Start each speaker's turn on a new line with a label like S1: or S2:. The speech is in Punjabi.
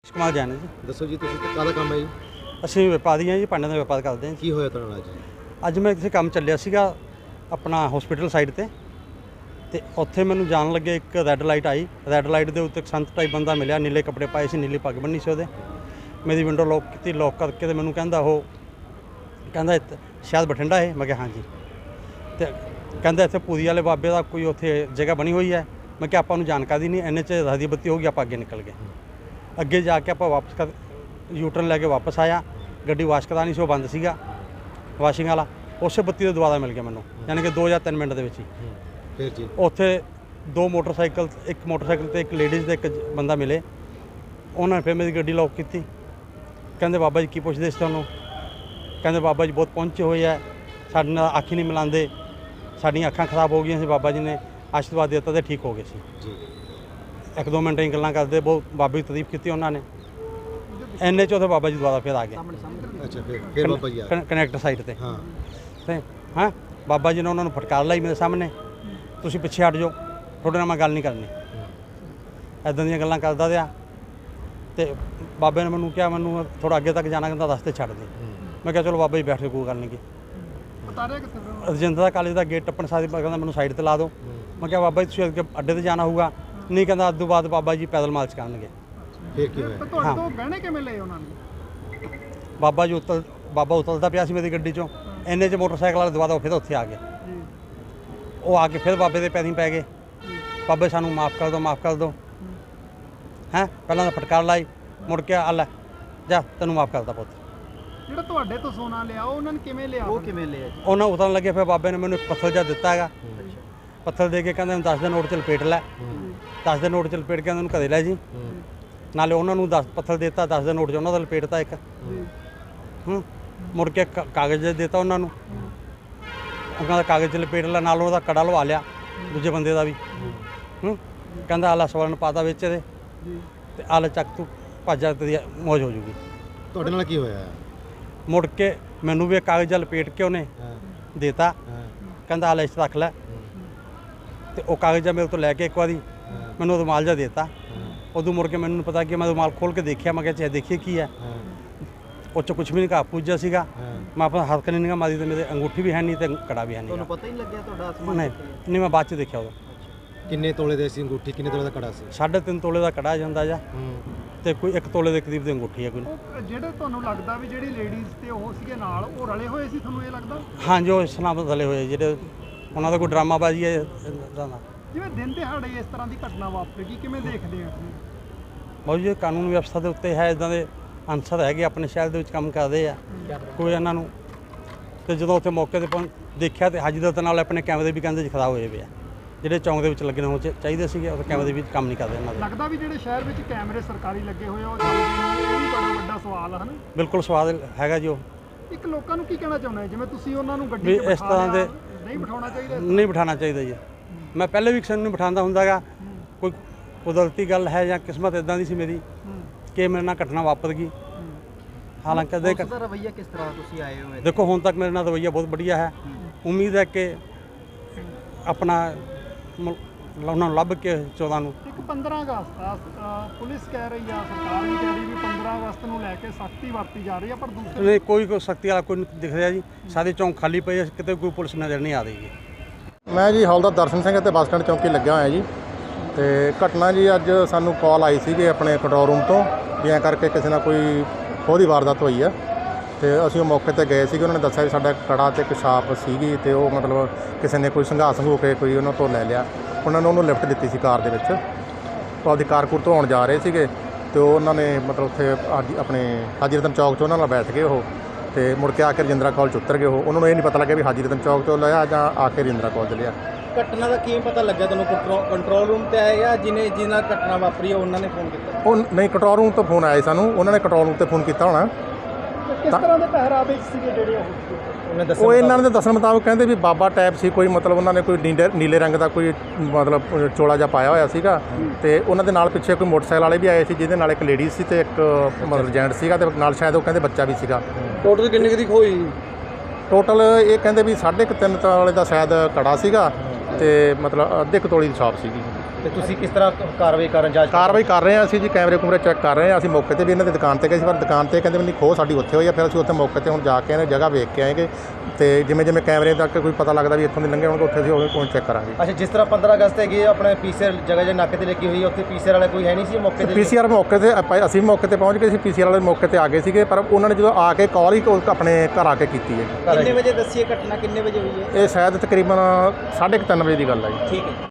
S1: ਕਮਾਲ ਜਾਣੇ ਜੀ।
S2: ਦੱਸੋ ਜੀ, ਤੁਸੀਂ ਕਾਹਦਾ ਕੰਮ ਹੈ ਜੀ?
S1: ਅਸੀਂ ਵਪਾਰੀ ਹਾਂ ਜੀ, ਭਾਂਡਿਆਂ ਦਾ ਵਪਾਰ ਕਰਦੇ ਹਾਂ ਜੀ।
S2: ਕੀ ਹੋਇਆ ਤੁਹਾਡੇ ਨਾਲ ਜੀ?
S1: ਅੱਜ ਮੈਂ ਕਿਸੇ ਕੰਮ ਚੱਲਿਆ ਸੀਗਾ ਆਪਣਾ ਹਸਪੀਟਲ ਸਾਈਡ ਤੇ ਉੱਥੇ ਮੈਨੂੰ ਜਾਣ ਲੱਗੇ ਇੱਕ ਰੈੱਡ ਲਾਈਟ ਆਈ। ਰੈੱਡ ਲਾਈਟ ਦੇ ਉੱਤੇ ਇੱਕ ਸੰਤ ਟਾਈਪ ਬੰਦਾ ਮਿਲਿਆ, ਨੀਲੇ ਕੱਪੜੇ ਪਾਏ ਸੀ, ਨੀਲੀ ਪੱਗ ਬੰਨੀ ਸੀ ਉਹਦੇ। ਮੇਰੀ ਵਿੰਡੋ ਲੌਕ ਕੀਤੀ, ਲੌਕ ਕਰਕੇ ਤੇ ਮੈਨੂੰ ਕਹਿੰਦਾ ਸ਼ਾਇਦ ਬਠਿੰਡਾ ਹੈ। ਮੈਂ ਕਿਹਾ ਹਾਂਜੀ। ਤੇ ਕਹਿੰਦਾ ਇੱਥੇ ਪੂਰੀ ਵਾਲੇ ਬਾਬੇ ਦਾ ਕੋਈ ਉੱਥੇ ਜਗ੍ਹਾ ਬਣੀ ਹੋਈ ਹੈ। ਮੈਂ ਕਿਹਾ ਆਪਾਂ ਨੂੰ ਜਾਣਕਾਰੀ ਨਹੀਂ, ਇੰਨੇ 'ਚ ਰਾਹੀ ਬੱਤੀ ਹੋ ਗਈ, ਆਪਾਂ ਅੱਗੇ ਨਿਕਲ ਗਏ। ਅੱਗੇ ਜਾ ਕੇ ਆਪਾਂ ਵਾਪਸ ਯੂਟਰਨ ਲੈ ਕੇ ਵਾਪਸ ਆਇਆ। ਗੱਡੀ ਵਾਸ਼ ਕਰਾਉਣੀ ਸੀ, ਉਹ ਬੰਦ ਸੀਗਾ ਵਾਸ਼ਿੰਗ ਵਾਲਾ। ਉਸੇ ਬੱਤੀ ਦੇ ਦੁਆਰਾ ਮਿਲ ਗਿਆ ਮੈਨੂੰ, ਯਾਨੀ ਕਿ 2 ਜਾਂ 3 ਮਿੰਟ ਦੇ ਵਿੱਚ ਹੀ।
S2: ਫਿਰ ਜੀ
S1: ਉੱਥੇ 2 ਮੋਟਰਸਾਈਕਲ, ਇੱਕ ਮੋਟਰਸਾਈਕਲ ਤੇ ਇੱਕ ਲੇਡੀਜ਼ ਤੇ ਇੱਕ ਬੰਦਾ ਮਿਲੇ। ਉਹਨਾਂ ਨੇ ਫਿਰ ਮੇਰੀ ਗੱਡੀ ਲੌਕ ਕੀਤੀ। ਕਹਿੰਦੇ ਬਾਬਾ ਜੀ ਕੀ ਪੁੱਛਦੇ ਸੀ ਤੁਹਾਨੂੰ? ਕਹਿੰਦੇ ਬਾਬਾ ਜੀ ਬਹੁਤ ਪਹੁੰਚੇ ਹੋਏ ਆ, ਸਾਡੇ ਨਾਲ ਅੱਖ ਹੀ ਨਹੀਂ ਮਿਲਾਉਂਦੇ, ਸਾਡੀਆਂ ਅੱਖਾਂ ਖਰਾਬ ਹੋ ਗਈਆਂ ਸੀ, ਬਾਬਾ ਜੀ ਨੇ ਆਸ਼ੀਰਵਾਦ ਦਿੱਤਾ ਤੇ ਠੀਕ ਹੋ ਗਏ ਸੀ
S2: ਜੀ।
S1: 1-2 ਮਿੰਟ ਹੀ ਗੱਲਾਂ ਕਰਦੇ, ਬਹੁਤ ਬਾਬੇ ਦੀ ਤਾਰੀਫ ਕੀਤੀ ਉਹਨਾਂ ਨੇ। ਇੰਨੇ 'ਚ ਉੱਥੇ ਬਾਬਾ ਜੀ ਦੁਬਾਰਾ ਫਿਰ ਆ ਗਏ।
S2: ਅੱਛਾ, ਫਿਰ ਬਾਬਾ ਜੀ ਆ ਗਏ।
S1: ਕਨੈਕਟ ਸਾਈਡ ਤੇ।
S2: ਹਾਂ
S1: ਤੇ ਹਾਂ, ਬਾਬਾ ਜੀ ਨੇ ਉਹਨਾਂ ਨੂੰ ਫਟਕਾਰ ਲਾਈ ਮੇਰੇ ਸਾਹਮਣੇ, ਤੁਸੀਂ ਪਿੱਛੇ ਹਟ ਜਾਓ, ਤੁਹਾਡੇ ਨਾਲ ਮੈਂ ਗੱਲ ਨਹੀਂ ਕਰਨੀ। ਇੱਦਾਂ ਦੀਆਂ ਗੱਲਾਂ ਕਰਦਾ ਰਿਹਾ। ਤੇ ਬਾਬੇ ਨੇ ਮੈਨੂੰ ਕਿਹਾ ਮੈਨੂੰ ਥੋੜ੍ਹਾ ਅੱਗੇ ਤੱਕ ਜਾਣਾ, ਕਹਿੰਦਾ ਰਸਤੇ ਛੱਡ ਦੇ। ਮੈਂ ਕਿਹਾ ਚਲੋ ਬਾਬਾ ਜੀ ਬੈਠ ਕੇ ਕੋਈ ਗੱਲ ਨਹੀਂ ਗੀ। ਰਜਿੰਦਰਾ ਕਾਲਜ ਦਾ ਗੇਟ ਟੱਪਣ ਸਾਰੀ ਕਹਿੰਦਾ ਮੈਨੂੰ ਸਾਈਡ ਤੇ ਲਾ ਦਿਓ। ਮੈਂ ਕਿਹਾ ਬਾਬਾ ਜੀ ਤੁਸੀਂ ਅੱਗੇ ਅੱਡੇ ਤੇ ਜਾਣਾ ਹੋਊਗਾ। ਨਹੀਂ, ਕਹਿੰਦਾ ਅੱਧੂ ਬਾਅਦ ਬਾਬਾ ਜੀ ਪੈਦਲ ਮਾਰਚ ਕਰਨਗੇ।
S2: ਫਿਰ ਕੀ ਹੋਇਆ?
S3: ਤੁਹਾਡੇ ਤੋਂ ਗਹਿਣੇ ਕਿਵੇਂ ਲਏ ਉਹਨਾਂ ਨੇ?
S1: ਬਾਬਾ ਉਤਲਦਾ ਪਿਆ ਸੀ ਮੇਰੀ ਗੱਡੀ 'ਚੋਂ। ਇੰਨੇ 'ਚ ਮੋਟਰਸਾਈਕਲ ਵਾਲੇ ਦੁਬਾਰਾ ਫਿਰ ਉੱਥੇ ਆ ਗਏ। ਉਹ ਆ ਕੇ ਫਿਰ ਬਾਬੇ ਦੇ ਪੈਰੀਂ ਪੈ ਗਏ। ਬਾਬੇ ਸਾਨੂੰ ਮਾफ़ ਕਰ ਦਿਓ, ਮਾफ़ ਕਰ ਦਿਓ। ਹੈਂ, ਪਹਿਲਾਂ ਤਾਂ ਫਟਕਾਰ ਲਾਈ, ਮੁੜ ਕੇ ਆ ਲੈ ਜਾ, ਤੈਨੂੰ ਮਾफ़ ਕਰਦਾ ਪੁੱਤ।
S3: ਜਿਹੜਾ ਤੁਹਾਡੇ ਤੋਂ ਸੋਨਾ ਲਿਆ ਉਹਨਾਂ ਨੇ ਕਿਵੇਂ ਲਿਆ? ਉਹ ਕਿਵੇਂ ਲਿਆ?
S1: ਉਹਨਾਂ ਉਤਰਨ ਲੱਗੇ, ਫਿਰ ਬਾਬੇ ਨੇ ਮੈਨੂੰ ਇੱਕ ਪੱਥਰ ਜਿਹਾ ਦਿੱਤਾ ਹੈਗਾ। ਪੱਥਰ ਦੇ ਕੇ ਕਹਿੰਦੇ 10 ਦੇ ਨੋਟ 'ਚ ਲਪੇਟ ਲੈ। 10 ਦੇ ਨੋਟ 'ਚ ਲਪੇਟ ਕੇ ਉਹਨੂੰ ਘਰੇ ਲੈ ਜੀ। ਨਾਲੇ ਉਹਨਾਂ ਨੂੰ 10 ਪੱਥਰ ਦਿੱਤਾ, 10 ਦੇ ਨੋਟ 'ਚ ਉਹਨਾਂ ਦਾ ਲਪੇਟਤਾ ਇੱਕ। ਮੁੜ ਕੇ ਕਾਗਜ਼ ਦਿੱਤਾ ਉਹਨਾਂ ਨੂੰ। ਉਹਨਾਂ ਦਾ ਕਾਗਜ਼ 'ਚ ਲਪੇਟ ਲਿਆ, ਨਾਲ ਉਹਦਾ ਕੜਾ ਲਵਾ ਲਿਆ ਦੂਜੇ ਬੰਦੇ ਦਾ ਵੀ। ਕਹਿੰਦਾ ਆਲਾ ਸਵਰਨ ਪਾਤਾ ਵਿੱਚ ਇਹਦੇ ਤੇ ਆਲਾ ਚੱਕ ਤੂੰ ਭੱਜ ਜਾ, ਤੇਰੀ ਮੌਜ ਹੋ ਜੂਗੀ।
S2: ਤੁਹਾਡੇ ਨਾਲ ਕੀ ਹੋਇਆ?
S1: ਮੁੜ ਕੇ ਮੈਨੂੰ ਵੀ ਕਾਗਜ਼ ਲਪੇਟ ਕੇ ਉਹਨੇ ਦੇਤਾ। ਕਹਿੰਦਾ ਆਲਾ ਇਸ ਰੱਖ ਲੈ। ਤੇ ਉਹ ਕਾਗਜ਼ ਮੇਰੇ ਤੋਂ ਲੈ ਕੇ ਇੱਕ ਵਾਰੀ ਮੈਨੂੰ ਰੁਮਾਲ ਜਿਹਾ ਦੇਤਾ। ਉਦੋਂ ਮੁੜ ਕੇ ਮੈਨੂੰ ਪਤਾ ਕਿ ਮੈਂ ਰੁਮਾਲ ਖੋਲ੍ਹ ਕੇ ਦੇਖਿਆ। ਮੈਂ ਕਿਹਾ ਚਾਹੇ ਦੇਖੀਏ ਕੀ ਹੈ। ਉਹ 'ਚ ਕੁਛ ਵੀ ਨਹੀਂ, ਘਾਹ ਪੂਜਾ ਸੀਗਾ। ਮੈਂ ਆਪਣਾ ਹੱਥ ਨਹੀਂ ਮਾਰੀ ਤੇ ਮੇਰੇ ਅੰਗੂਠੀ ਵੀ ਹੈ ਨਹੀਂ ਤੇ ਕੜਾ ਵੀ ਹੈ ਨਹੀਂ।
S3: ਤੁਹਾਨੂੰ ਪਤਾ ਹੀ ਨਹੀਂ ਲੱਗਿਆ ਤੁਹਾਡਾ ਅਸਮਾਨ?
S1: ਨਹੀਂ, ਮੈਂ ਬਾਅਦ 'ਚ ਦੇਖਿਆ ਉਦੋਂ।
S2: ਕਿੰਨੇ ਤੋਲੇ ਦੇ ਸੀ ਅੰਗੂਠੀ? ਕਿੰਨੇ ਤੋਲੇ ਦਾ ਕੜਾ ਸੀ?
S1: 3.5 ਤੋਲੇ ਦਾ ਕੜਾ ਜਾਂਦਾ ਜਾਂ ਤੇ ਕੋਈ 1 ਤੋਲੇ ਦੇ ਕਰੀਬ ਦੀ ਅੰਗੂਠੀ ਹੈ ਕੋਈ।
S3: ਜਿਹੜੇ ਤੁਹਾਨੂੰ ਲੱਗਦਾ ਵੀ ਜਿਹੜੀ ਲੇਡੀਜ਼ ਤੇ ਉਹ ਸੀਗੇ ਨਾਲ, ਉਹ ਰਲੇ ਹੋਏ ਸੀ, ਤੁਹਾਨੂੰ ਇਹ ਲੱਗਦਾ?
S1: ਹਾਂਜੀ, ਉਹ ਇਸ ਨਾਲ ਰਲੇ ਹੋਏ ਜਿਹੜੇ ਉਹਨਾਂ ਦਾ ਕੋਈ ਡਰਾਮਾਬਾਜ਼ੀ ਹੈ ਇੱਦਾਂ ਦਾ।
S3: ਜਿਵੇਂ ਦਿਨ ਦਿਹਾੜੇ ਇਸ ਤਰ੍ਹਾਂ ਦੀ ਘਟਨਾ ਵਾਪਰੇਗੀ, ਕਿਵੇਂ ਦੇਖਦੇ ਆ?
S1: ਬਹੁਤ ਜੀ ਕਾਨੂੰਨ ਵਿਵਸਥਾ ਦੇ ਉੱਤੇ ਹੈ, ਇੱਦਾਂ ਦੇ ਅਨਸਰ ਹੈਗੇ ਆਪਣੇ ਸ਼ਹਿਰ ਦੇ ਵਿੱਚ ਕੰਮ ਕਰਦੇ ਆ ਕੋਈ ਇਹਨਾਂ ਨੂੰ। ਤੇ ਜਦੋਂ ਉੱਥੇ ਮੌਕੇ 'ਤੇ ਦੇਖਿਆ ਤੇ ਹਾਜ਼ਰ ਨਾਲ ਆਪਣੇ ਕੈਮਰੇ ਵੀ ਕਹਿੰਦੇ ਜੀ ਖਰਾਬ ਹੋਏ ਪਏ ਆ, ਜਿਹੜੇ ਚੌਂਕ ਦੇ ਵਿੱਚ ਲੱਗਣੇ ਹੋ ਚਾਹੀਦੇ ਸੀਗੇ, ਉਹ ਕੈਮਰੇ ਵੀ ਕੰਮ ਨਹੀਂ ਕਰਦੇ ਇਹਨਾਂ ਦੇ।
S3: ਲੱਗਦਾ ਵੀ ਜਿਹੜੇ ਸ਼ਹਿਰ ਵਿੱਚ ਕੈਮਰੇ ਸਰਕਾਰੀ ਲੱਗੇ ਹੋਏ ਆ ਉਹ ਚੱਲਦੇ ਨੇ, ਇਹ ਵੀ ਬੜਾ ਵੱਡਾ ਸਵਾਲ ਹੈ ਨਾ?
S1: ਬਿਲਕੁਲ ਸਵਾਲ ਹੈਗਾ ਜੀ। ਉਹ
S3: ਇੱਕ ਲੋਕਾਂ ਨੂੰ ਕੀ ਕਹਿਣਾ ਚਾਹੁੰਦਾ ਜਿਵੇਂ ਤੁਸੀਂ ਉਹਨਾਂ ਨੂੰ ਗੱਡੀ 'ਚ
S1: ਇਸ ਤਰ੍ਹਾਂ ਦੇ
S3: ਨਹੀਂ ਬਿਠਾਉਣਾ ਚਾਹੀਦਾ?
S1: ਨਹੀਂ ਬਿਠਾਉਣਾ ਚਾਹੀਦਾ ਜੀ। ਮੈਂ ਪਹਿਲੇ ਵੀ ਕਿਸੇ ਨੂੰ ਨਹੀਂ ਬਿਠਾਉਂਦਾ ਹੁੰਦਾ ਗਾ। ਕੋਈ ਕੁਦਰਤੀ ਗੱਲ ਹੈ ਜਾਂ ਕਿਸਮਤ ਇੱਦਾਂ ਦੀ ਸੀ ਮੇਰੀ ਕਿ ਮੇਰੇ ਨਾਲ ਘਟਨਾ ਵਾਪਰ ਗਈ। ਹਾਲਾਂਕਿ
S3: ਉਸ ਦਾ ਰਵੱਈਆ ਕਿਸ ਤਰ੍ਹਾਂ ਤੁਸੀਂ ਆਏ ਹੋ?
S1: ਦੇਖੋ ਹੁਣ ਤੱਕ ਮੇਰੇ ਨਾਲ ਰਵੱਈਆ ਬਹੁਤ ਵਧੀਆ ਹੈ। ਉਮੀਦ ਹੈ ਕਿ ਆਪਣਾ ਉਹਨਾਂ ਨੂੰ ਲੱਭ ਕੇ 14 ਨੂੰ।
S3: ਇੱਕ 15 ਅਗਸਤ ਆ, ਪੁਲਿਸ ਕਹਿ ਰਹੀ ਆ, ਸਰਕਾਰ ਵੀ ਕਹਿ ਰਹੀ ਵੀ 15 ਅਗਸਤ ਨੂੰ ਲੈ ਕੇ ਸਖਤੀ ਵਰਤੀ ਜਾ ਰਹੀ ਆ, ਪਰ ਦੂਸਰੇ
S1: ਨਹੀਂ, ਕੋਈ ਸਖਤੀ ਵਾਲਾ ਕੋਈ ਨਹੀਂ ਦਿਖ ਰਿਹਾ ਜੀ। ਸਾਰੇ ਚੌਂਕ ਖਾਲੀ ਪਏ, ਕਿਤੇ ਕੋਈ ਪੁਲਿਸ ਨਜ਼ਰ ਨਹੀਂ ਆ ਰਹੀ ਜੀ।
S4: ਮੈਂ ਜੀ ਹੌਲਦਾਰ ਦਰਸ਼ਨ ਸਿੰਘ ਅਤੇ ਬੱਸ ਸਟੈਂਡ ਚੌਂਕੀ ਲੱਗਿਆ ਹੋਇਆ ਜੀ। ਤੇ ਘਟਨਾ ਜੀ ਅੱਜ ਸਾਨੂੰ ਕਾਲ ਆਈ ਸੀਗੀ ਆਪਣੇ ਕੰਟਰੋਲ ਰੂਮ ਤੋਂ ਵੀ ਐਂ ਕਰਕੇ ਕਿਸੇ ਨਾਲ ਕੋਈ ਖੋਹ ਦੀ ਵਾਰਦਾਤ ਹੋਈ ਆ। ਤੇ ਅਸੀਂ ਉਹ ਮੌਕੇ 'ਤੇ ਗਏ ਸੀਗੇ। ਉਹਨਾਂ ਨੇ ਦੱਸਿਆ ਵੀ ਸਾਡਾ ਕੜਾ ਤੇ ਇੱਕ ਛਾਪ ਸੀਗੀ ਤੇ ਉਹ ਮਤਲਬ ਕਿਸੇ ਨੇ ਕੋਈ ਸੰਘਾਸ ਹੋ ਕੇ ਕੋਈ ਉਹਨਾਂ ਤੋਂ ਲੈ ਲਿਆ। ਉਹਨਾਂ ਨੇ ਉਹਨੂੰ ਲਿਫਟ ਦਿੱਤੀ ਸੀ ਕਾਰ ਦੇ ਵਿੱਚ। ਉਹ ਆਪਦੀ ਕਾਰਕੁਰ ਤੋਂ ਆਉਣ ਜਾ ਰਹੇ ਸੀਗੇ ਤੇ ਉਹਨਾਂ ਨੇ ਮਤਲਬ ਉੱਥੇ ਆਪਣੇ ਹਾਜੀ ਰਤਨ ਚੌਕ 'ਚ ਉਹਨਾਂ ਨਾਲ ਬੈਠ ਗਏ ਉਹ। ਤੇ ਮੁੜ ਕੇ ਆ ਕੇ ਰਜਿੰਦਰਾ ਕਾਲਜ 'ਚ ਉਤਰ ਗਏ ਉਹ। ਉਹਨਾਂ ਨੂੰ ਇਹ ਨਹੀਂ ਪਤਾ ਲੱਗਿਆ ਵੀ ਹਾਜੀ ਰਤਨ ਚੌਕ ਤੋਂ ਲਿਆ ਜਾਂ ਆ ਕੇ ਰਜਿੰਦਰਾ ਕਾਲਜ ਲਿਆ।
S3: ਘਟਨਾ ਦਾ ਕਿਵੇਂ ਪਤਾ ਲੱਗਿਆ ਤੁਹਾਨੂੰ? ਕੰਟਰੋਲ ਰੂਮ ਤੇ ਆਏ ਜਾਂ ਜਿਹਨਾਂ ਘਟਨਾ ਵਾਪਰੀ ਉਹਨਾਂ ਨੇ ਫੋਨ ਕੀਤਾ?
S4: ਉਹ ਨਹੀਂ, ਕੰਟਰੋਲ ਰੂਮ ਤੋਂ ਫੋਨ ਆਇਆ ਸਾਨੂੰ। ਉਹਨਾਂ ਨੇ ਕੰਟਰੋਲ ਰੂਮ 'ਤੇ ਫੋਨ ਕੀਤਾ ਹੋਣਾ।
S3: ਕਿਸ ਤਰ੍ਹਾਂ ਦੇ ਪਹਿਰਾਵੇ ਸੀਗੇ ਜਿਹੜੇ
S4: ਉਹ ਇਹਨਾਂ ਦੇ ਦੱਸਣ ਮੁਤਾਬਕ ਕਹਿੰਦੇ ਵੀ ਬਾਬਾ ਟਾਈਪ ਸੀ ਕੋਈ, ਮਤਲਬ ਉਹਨਾਂ ਨੇ ਕੋਈ ਨੀਲੇ ਰੰਗ ਦਾ ਕੋਈ ਮਤਲਬ ਚੋਲਾ ਜਿਹਾ ਪਾਇਆ ਹੋਇਆ ਸੀਗਾ। ਤੇ ਉਹਨਾਂ ਦੇ ਨਾਲ ਪਿੱਛੇ ਕੋਈ ਮੋਟਰਸਾਈਕਲ ਵਾਲੇ ਵੀ ਆਏ ਸੀ, ਜਿਹਦੇ ਨਾਲ ਇੱਕ ਲੇਡੀ ਸੀ ਤੇ ਇੱਕ ਮਤਲਬ ਜੈਂਟ ਸੀਗਾ ਤੇ ਨਾਲ ਸ਼ਾਇਦ ਉਹ ਕਹਿੰਦੇ ਬੱਚਾ ਵੀ ਸੀਗਾ।
S3: ਟੋਟਲ ਕਿੰਨੇ ਦੀ ਖੋਈ?
S4: ਟੋਟਲ ਇਹ ਕਹਿੰਦੇ ਵੀ 3.5 ਤੋਲੇ ਦਾ ਸ਼ਾਇਦ ਕੜਾ ਸੀਗਾ ਤੇ ਮਤਲਬ ਅੱਧੇ ਕੁ ਤੋਲੇ ਦੀ ਛਾਪ ਸੀਗੀ।
S2: ਤੇ ਤੁਸੀਂ ਕਿਸ ਤਰ੍ਹਾਂ ਕਾਰਵਾਈ ਕਰਨ ਜਾਂਚ
S4: ਕਾਰਵਾਈ ਕਰ ਰਹੇ ਹਾਂ ਅਸੀਂ ਜੀ, ਕੈਮਰੇ ਕੁਮਰੇ ਚੈੱਕ ਕਰ ਰਹੇ ਹਾਂ। ਅਸੀਂ ਮੌਕੇ ਤੇ ਵੀ ਇਹਨਾਂ ਦੀ ਦੁਕਾਨ ਤੇ ਗਏ ਸੀ, ਪਰ ਦੁਕਾਨ ਤੇ ਕਹਿੰਦੇ ਵੀ ਨਹੀਂ ਖੋਹ ਸਾਡੀ ਉੱਥੇ ਹੋਈ ਆ। ਫਿਰ ਅਸੀਂ ਉੱਥੇ ਮੌਕੇ ਤੇ ਹੁਣ ਜਾ ਕੇ ਇਹਨਾਂ ਜਗ੍ਹਾ ਵੇਖ ਕੇ ਆਏਗੇ ਤੇ ਜਿਵੇਂ ਜਿਵੇਂ ਕੈਮਰੇ ਤੱਕ ਕੋਈ ਪਤਾ ਲੱਗਦਾ ਵੀ ਇੱਥੋਂ ਦੇ ਲੰਘੇ ਹੋਣਗੇ ਉੱਥੇ ਅਸੀਂ ਉਹ ਚੈੱਕ ਕਰਾਂਗੇ।
S2: ਅੱਛਾ, ਜਿਸ ਤਰ੍ਹਾਂ 15 ਅਗਸਤ ਹੈਗੀ ਆਪਣੇ ਪੀਸੀਆਰ ਜਗ੍ਹਾ ਜੇ ਨਾਕੇ ਤੇ ਲੱਗੀ ਹੋਈ ਹੈ, ਉੱਥੇ ਪੀਸੀਆਰ ਵਾਲਾ ਕੋਈ ਹੈ ਨਹੀਂ ਸੀ ਮੌਕੇ ਤੇ?
S4: ਪੀਸੀਆਰ ਮੌਕੇ ਤੇ ਅਸੀਂ ਮੌਕੇ ਤੇ ਪਹੁੰਚ ਗਏ ਸੀ, ਪੀਸੀਆਰ ਵਾਲੇ ਮੌਕੇ ਤੇ ਆ ਗਏ ਸੀਗੇ, ਪਰ ਉਹਨਾਂ ਨੇ ਜਦੋਂ ਆ ਕੇ ਕਾਲ ਹੀ ਆਪਣੇ ਘਰ ਆ ਕੇ ਕੀਤੀ ਹੈ।
S2: ਕਿੰਨੇ ਵਜੇ ਦੱਸੀਏ ਘਟਨਾ ਕਿੰਨੇ ਵਜੇ ਹੋਈ ਹੈ?
S4: ਇਹ ਸ਼ਾਇਦ ਤਕਰੀਬਨ 3:30 ਵਜੇ ਦੀ ਗੱਲ ਹੈ ਜੀ।
S2: ਠੀਕ ਹੈ।